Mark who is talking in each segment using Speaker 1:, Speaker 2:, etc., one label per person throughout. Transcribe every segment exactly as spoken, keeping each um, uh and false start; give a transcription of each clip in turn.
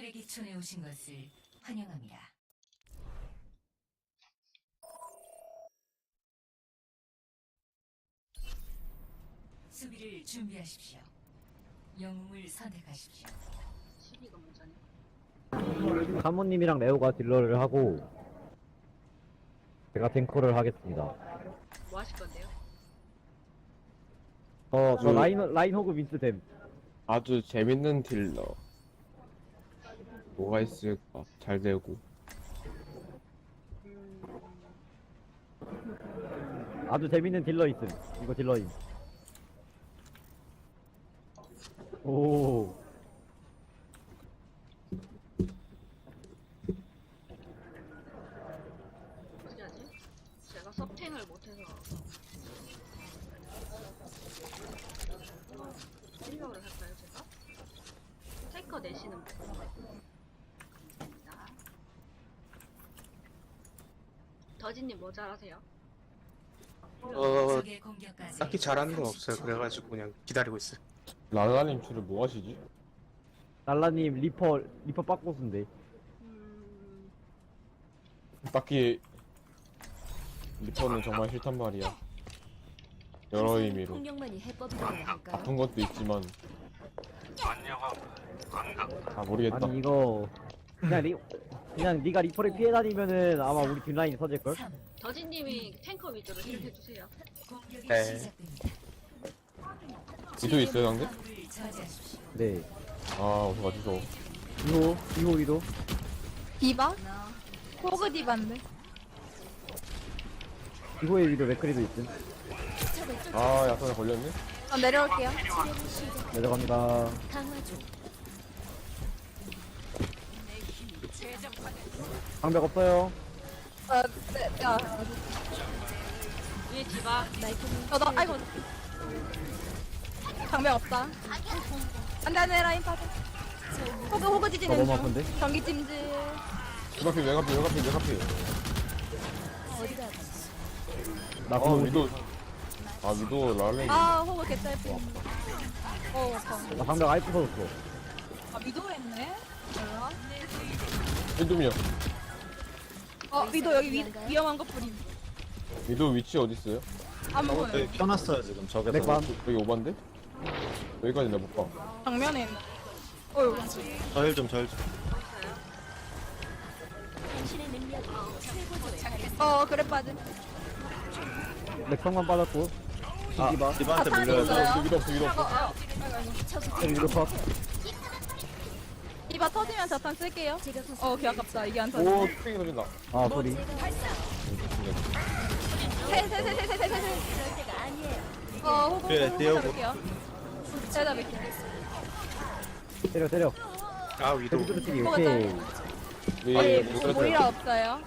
Speaker 1: 대기촌에 오신 것을 환영합니다. 수비를 준비하십시오. 영웅을 선택하십시오.
Speaker 2: 수비가 문제네.
Speaker 3: 사모님이랑 레오가 딜러를 하고 제가 탱커를 하겠습니다.
Speaker 2: 뭐 하실 건데요?
Speaker 3: 어, 저
Speaker 4: 그-
Speaker 3: 라인 라인 호그 민스 됨.
Speaker 4: 아주 재밌는 딜러. 뭐가 있을까? 잘 되고.
Speaker 3: 아주 재밌는 딜러 있음. 이거 딜러임. 오.
Speaker 2: 어떻게 하지? 제가 서탱을 못해서 힐러를 할까요 제가? 테이커 내시는 분 감사합니다. 더진님 뭐 잘하세요?
Speaker 5: 어,
Speaker 1: 적의 공격까지
Speaker 5: 딱히 잘하는 건 없어요.
Speaker 1: 삼십 초.
Speaker 5: 그래가지고 그냥 기다리고 있어요.
Speaker 4: 라라님 주로 뭐 하시지?
Speaker 3: 날라님 리퍼 리퍼 빠꼬스인데.
Speaker 2: 음...
Speaker 4: 딱히 리퍼는 정말 싫단 말이야. 여러 의미로.
Speaker 6: 폭력만이 해법이라고 할까요?
Speaker 4: 아픈 것도 있지만. 아 모르겠다.
Speaker 3: 아니 이거 그냥 리 그냥 네가 리퍼를 피해 다니면은 아마 우리 뒷라인이 터질 걸.
Speaker 1: 삼.
Speaker 2: 더진님이 탱커 위주로 힐 해주세요.
Speaker 1: 공격이
Speaker 5: 네.
Speaker 1: 시작됩니다.
Speaker 4: 위도 있어요 상대?
Speaker 1: 화물을 저지하십시오.
Speaker 3: 네.
Speaker 4: 아 어서 가주소.
Speaker 3: 이호 이호 위도.
Speaker 7: 디바? 호그 디바인데.
Speaker 3: 이호의 위도 맥크리도 있음.
Speaker 4: 아 약간에 걸렸네?
Speaker 7: 어, 내려올게요.
Speaker 3: 내려갑니다.
Speaker 6: 강화 중.
Speaker 3: 방벽 없어요.
Speaker 7: 어, 네, 야,
Speaker 2: 위에 디바
Speaker 7: 어, 나, 아이고. 장벽 없다. 안 돼, 안 돼, 라인 빠져. 호그, 호그
Speaker 3: 저
Speaker 7: 지지는
Speaker 3: 너무
Speaker 7: 중.
Speaker 3: 아픈데?
Speaker 7: 전기 찜질.
Speaker 4: 외곽필 외곽필 외곽필 외곽필.
Speaker 6: 어디가
Speaker 3: 나
Speaker 4: 아
Speaker 3: 그거
Speaker 4: 위도. 아 위도 라라님.
Speaker 7: 아, 호그 개딸피. 어, 아파.
Speaker 3: 나 방벽 아예 부서졌어.
Speaker 7: 아, 미도 했네? 몰라.
Speaker 4: 위도미요.
Speaker 7: 어, 미도 여기 위, 위험한 거 뿌림.
Speaker 4: 위도 위치 어디 있어요?
Speaker 7: 안 보여.
Speaker 8: 여기 펴놨어요 지금 적에서.
Speaker 3: 맥반.
Speaker 4: 여기 오반데? 여기까지 내가 못 봐.
Speaker 7: 정면에 있는. 어휴.
Speaker 8: 저힐 좀 저힐 좀.
Speaker 6: 당신의 능력이 최고조에
Speaker 7: 어, 그래 빠진.
Speaker 3: 맥성만 빠졌고.
Speaker 8: 아
Speaker 3: 디바.
Speaker 8: 디바한테
Speaker 7: 아,
Speaker 8: 물려요.
Speaker 7: 있어요.
Speaker 4: 위도 없어 위도
Speaker 7: 어,
Speaker 4: 없어.
Speaker 7: 어. 아이고, 아이고.
Speaker 3: 네, 위도 컷.
Speaker 7: 디바 터지면 자탄 쓸게요.
Speaker 6: 제가 구
Speaker 7: 어, 개 아깝다. 이게 안 터져.
Speaker 4: 오 땡이 터진다.
Speaker 3: 아 소리.
Speaker 7: 세세세세세세세.
Speaker 6: 그럴 때가 아니에요.
Speaker 7: 어, 호구,
Speaker 8: 그래,
Speaker 7: 호구
Speaker 8: 띄우고.
Speaker 7: 잡을게요. 제가 잡을게요.
Speaker 3: 때려 때려.
Speaker 5: 아 위도
Speaker 3: 데뷔 찌기
Speaker 7: 뭐가
Speaker 3: 오케이.
Speaker 4: 예,
Speaker 7: 저희
Speaker 4: 못
Speaker 7: 모이라
Speaker 4: 들었어요.
Speaker 7: 없어요.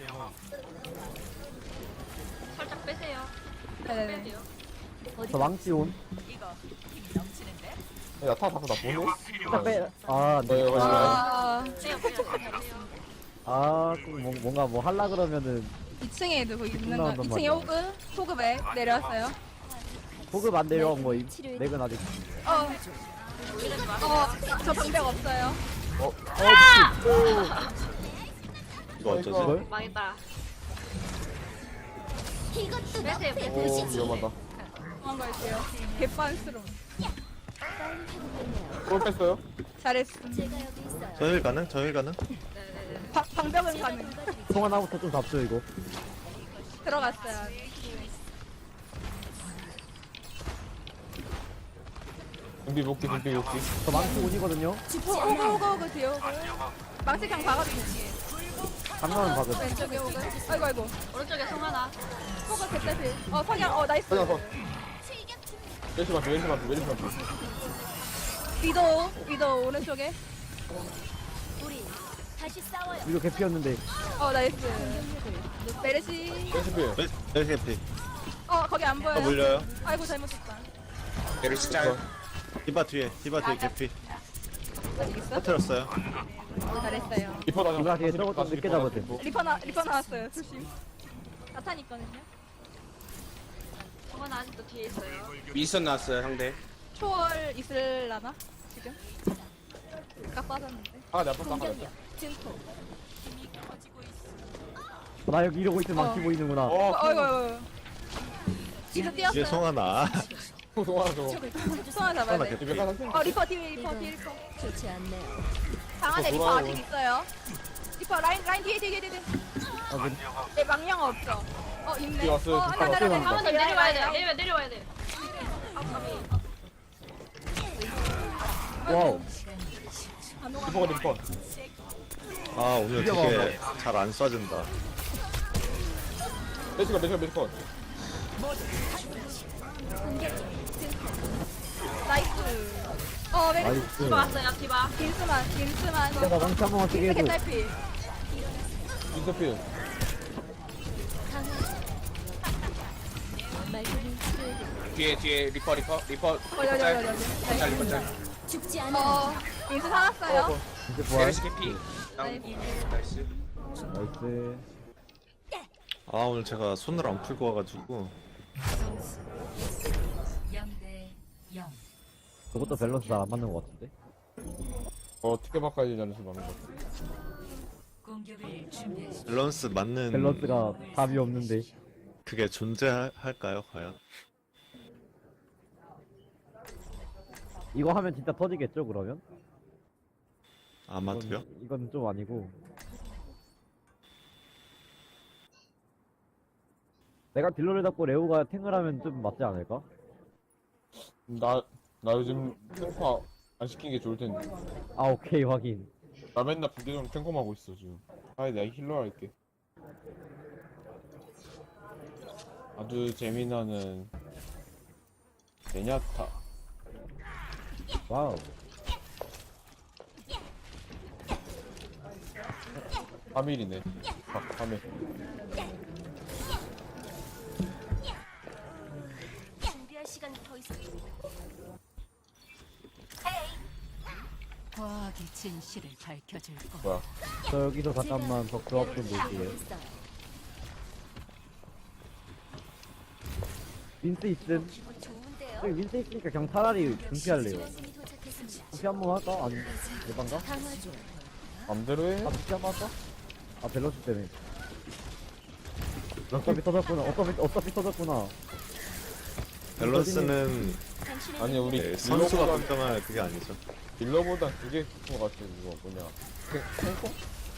Speaker 2: 살짝 빼세요.
Speaker 7: 네네네.
Speaker 2: 빼세요.
Speaker 3: 저 망치 온.
Speaker 4: 야타 다섯 나 보네?
Speaker 3: 딱 빼. 아, 네.
Speaker 4: 네,
Speaker 7: 아,
Speaker 2: 빼요 빼요 빼요.
Speaker 3: 아, 꼭 뭐, 뭔가 뭐 할라 그러면은
Speaker 7: 이 층에 누구 있는 거.
Speaker 3: 나온단
Speaker 7: 이 층에
Speaker 3: 말이야.
Speaker 7: 호그, 호그 맥 내려왔어요.
Speaker 3: 호급 안 내려 뭐 이- 맥은 아직.
Speaker 7: 어, 어, 저 방벽 없어요.
Speaker 4: 어? 어?
Speaker 8: 이거 어쩌지?
Speaker 3: 이걸?
Speaker 2: 망했다.
Speaker 6: 이것도
Speaker 2: 빼세요 빼세요.
Speaker 4: 오 위험하다.
Speaker 7: 도망갈게요. 개빤스러운.
Speaker 6: 빨리 회복됐네요.
Speaker 4: 골 뺐어요?
Speaker 7: 잘했음.
Speaker 6: 제가 여기 있어요.
Speaker 8: 저힐 가능? 저힐 가능?
Speaker 2: 네네네.
Speaker 7: 바, 방벽은 가능.
Speaker 6: 도와드릴게요.
Speaker 3: 총 하나부터 좀 잡죠 이거.
Speaker 7: 들어갔어요.
Speaker 4: 준비 복귀 준비 복귀.
Speaker 3: 저 망치 온이거든요.
Speaker 7: 호그, 호그, 호그, 호그, 뒤에 호그. 망치 그냥 박아주세요.
Speaker 3: 장난은 박은.
Speaker 7: 왼쪽에 호그. 아이고, 아이고.
Speaker 2: 오른쪽에 송 하나.
Speaker 7: 호그 개딸피. 어, 석양, 어, 나이스.
Speaker 4: 그냥 서. 왼쪽 맞춰 왼쪽 맞춰 왼쪽 맞춰.
Speaker 7: 위도, 위도, 오른쪽에.
Speaker 6: 우리 다시 싸워요.
Speaker 3: 이거 개피였는데.
Speaker 7: 어, 나이스. 메르시.
Speaker 4: 왼쪽 필.
Speaker 8: 헬 해피.
Speaker 7: 어, 거기 안 보여요.
Speaker 8: 아 물려요.
Speaker 7: 아이고, 잘못했다.
Speaker 5: 얘를 진짜
Speaker 8: 디바 뒤에 디바 뒤에 개피.
Speaker 7: 아직 있어?
Speaker 8: 터트렸어요.
Speaker 7: 어, 잘했어요.
Speaker 4: 리퍼 다시
Speaker 3: 누가 뒤에
Speaker 4: 다시
Speaker 3: 저거 좀
Speaker 4: 다시
Speaker 3: 늦게
Speaker 4: 리퍼,
Speaker 3: 잡았대.
Speaker 4: 리퍼.
Speaker 7: 리퍼 나 리퍼 나왔어요. 조심. 자탄 있거든요.
Speaker 2: 송 하나 아직도 뒤에 있어요.
Speaker 5: 미선 나왔어요 상대.
Speaker 7: 초월 있을라나 지금? 깎 빠졌는데.
Speaker 4: 아, 내 아빠 딱
Speaker 6: 공격력 증폭.
Speaker 3: 나 여기 이러고 있으면
Speaker 7: 어.
Speaker 3: 망치 보이는구나.
Speaker 4: 어,
Speaker 7: 어이구 어이구. 지금
Speaker 8: 뒤에
Speaker 7: 뛰었어요.
Speaker 8: 송하나.
Speaker 4: 송하나 저거.
Speaker 6: 적을 찾아주세요.
Speaker 7: 송아 잡아야
Speaker 8: 송하나
Speaker 7: 돼.
Speaker 8: 개피.
Speaker 4: 집에 가서 생
Speaker 7: 어 리퍼 뒤에 리퍼 뒤에 리퍼.
Speaker 6: 좋지 않네요.
Speaker 7: 방 안에
Speaker 4: 어,
Speaker 7: 리퍼
Speaker 4: 돌아요.
Speaker 7: 아직 있어요. 리퍼 라인 라인 뒤에 뒤에 뒤에 뒤에.
Speaker 3: 아, 그,
Speaker 7: 네 망령 없죠. 어 있네.
Speaker 4: 뒤에 왔어요.
Speaker 7: 어 안돼 안돼 안돼.
Speaker 3: 잠깐만.
Speaker 2: 한번 내려와야 돼. 내려 내려와야 돼. 아, 까비.
Speaker 3: 와우.
Speaker 4: 리퍼가 리퍼.
Speaker 8: 아 오늘 되게 잘 안 쏴진다.
Speaker 4: 매시가 매시가 매시가.
Speaker 7: 나이스. 어 메리.
Speaker 3: 나이스.
Speaker 2: 디바 왔어요. 디바.
Speaker 7: 김스만 김스만.
Speaker 3: 내가 망치 한 번만 쓰게 해줘.
Speaker 7: 개딸피.
Speaker 4: 인터필.
Speaker 6: 말끔히 치료해드릴게요.
Speaker 5: 뒤에 뒤에 리퍼 리퍼 리퍼
Speaker 7: 어 여기 여기
Speaker 5: 짤.
Speaker 7: 여기.
Speaker 5: 짤 리퍼 짤.
Speaker 6: 죽지 않아요.
Speaker 7: 어 김스 살았어요.
Speaker 3: 이제 부활.
Speaker 5: 메르시 개피. 다운. 나이스.
Speaker 3: 나이스.
Speaker 8: 아 오늘 제가 손을 안 풀고 와가지고
Speaker 1: 점수 영 대 영.
Speaker 3: 그것도 밸런스 잘 안 맞는 것 같은데.
Speaker 4: 어, 어떻게 바꿔야 되지 않으시 맞는 거.
Speaker 1: 공격을 준비하십시오.
Speaker 8: 밸런스 맞는
Speaker 3: 밸런스가 답이 없는데.
Speaker 8: 그게 존재할까요 과연?
Speaker 3: 이거 하면 진짜 터지겠죠 그러면?
Speaker 8: 아마도요?
Speaker 3: 이건, 이건 좀 아니고. 내가 딜러를 잡고 레오가 탱을 하면 좀 맞지 않을까?
Speaker 4: 나, 나 요즘 탱커 안 시킨 게 좋을 텐데.
Speaker 3: 아 오케이 확인.
Speaker 4: 나 맨날 부대중 탱커만 하고 있어 지금. 아니 내가 힐러 할게. 아주 재미나는 베냐타.
Speaker 3: 와우.
Speaker 4: 삼 일이네. 아, 삼 일.
Speaker 6: 준비할 시간이 더 있습니다.
Speaker 1: 과학의 진실을 밝혀줄 것.
Speaker 4: 뭐야?
Speaker 3: 저 여기서 잠깐만 더 조합 좀 볼게요.
Speaker 6: 있어요.
Speaker 3: 윈스 있음.
Speaker 6: 좋은데요.
Speaker 3: 저기 윈스 있으니까 그냥 차라리 분피할래요.
Speaker 6: 지원군이 도착했습니다.
Speaker 3: 분피 한 번 할까? 아니 대반가?
Speaker 6: 강화 중.
Speaker 4: 맘대로 해.
Speaker 3: 아 분피 한 번 할까? 아 밸런스 때문에. 어차피 터졌구나. 어차피 어차피 터졌구나.
Speaker 8: 밸런스는
Speaker 6: 당신의
Speaker 4: 아니 우리
Speaker 8: 네, 선수가
Speaker 4: 딜러보다
Speaker 8: 걱정할 그게 아니죠.
Speaker 4: 딜러보다 그게 큰거 같아. 이거 뭐냐? 탱, 탱커?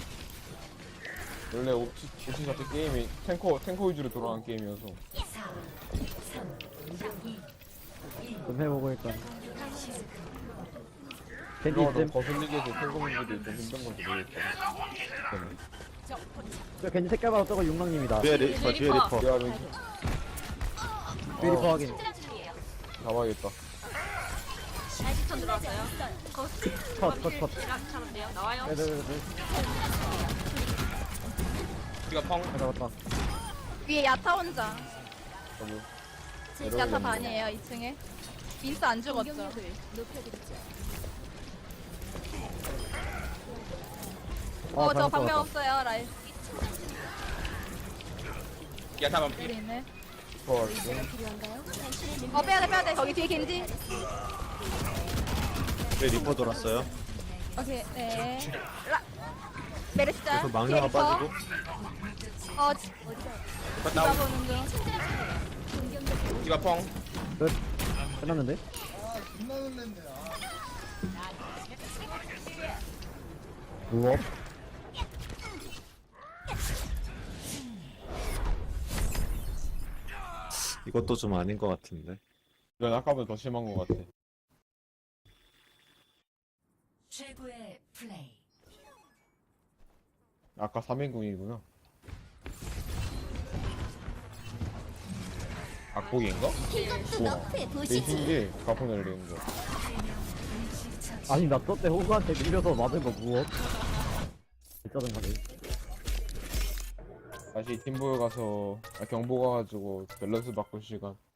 Speaker 4: 원래 옵치 옵치 자체 게임이 탱커 탱커 위주로 돌아가는 게임이어서.
Speaker 1: 사, 삼, 이,
Speaker 3: 좀 해보고 일단. 캔디
Speaker 4: 딜러가 너무
Speaker 3: 있음.
Speaker 4: 거슬리게 해서 탱커 분들이 좀 힘든 건지 모르겠다.
Speaker 3: 저 캔디 색깔마다 저거 육랑님이다.
Speaker 8: 뒤에 리퍼 뒤에 리퍼.
Speaker 4: 야, 왠지
Speaker 3: 뷰리퍼 확인.
Speaker 4: 잡아야겠다.
Speaker 2: 아직턴 들어왔어요.
Speaker 3: 컷, 컷, 컷.
Speaker 2: 잡았대요. 나와요.
Speaker 3: 네네네.
Speaker 5: 우리가 펑.
Speaker 3: 아, 잡았다.
Speaker 7: 위에 야타 혼자.
Speaker 4: 저기
Speaker 7: 야타 반이에요 이 층에. 민스 안 죽었죠.
Speaker 6: 공격력을 높여드리죠.
Speaker 3: 아,
Speaker 7: 어 저
Speaker 3: 잘못
Speaker 7: 방면
Speaker 3: 잡았다.
Speaker 7: 없어요 라인.
Speaker 5: 야타만
Speaker 7: 여기
Speaker 5: 피.
Speaker 7: 있네.
Speaker 4: 어,
Speaker 6: 필요한가요? 당신의 능력.
Speaker 7: 어 빼야돼 빼야돼. 거기 뒤에 겐지.
Speaker 8: 뒤에 리퍼 돌았어요.
Speaker 7: 오케이 네. 라. 메르시 짤.
Speaker 8: 그래서 망령아
Speaker 7: 뒤에 리퍼.
Speaker 8: 빠지고.
Speaker 7: 어
Speaker 5: 리퍼
Speaker 7: 디바
Speaker 5: 다운.
Speaker 7: 보는 중.
Speaker 5: 디바 펑.
Speaker 3: 끝. 끝났는데? 우업.
Speaker 8: 이것도 좀 아닌 것 같은데.
Speaker 4: 이건 아까보다 더 심한 것 같아.
Speaker 1: 최고의 플레이.
Speaker 4: 아까 삼 인궁이구나. 악복인가?
Speaker 6: 이것도 너프에
Speaker 4: 내
Speaker 6: 보시지.
Speaker 4: 신기 가포 날리는 거.
Speaker 3: 아니 나 저때 호구한테 밀려서 맞은 거 무엇? 짜증나네.
Speaker 4: 다시 팀보에 가서 아, 경보 가가지고 밸런스 바꿀 시간.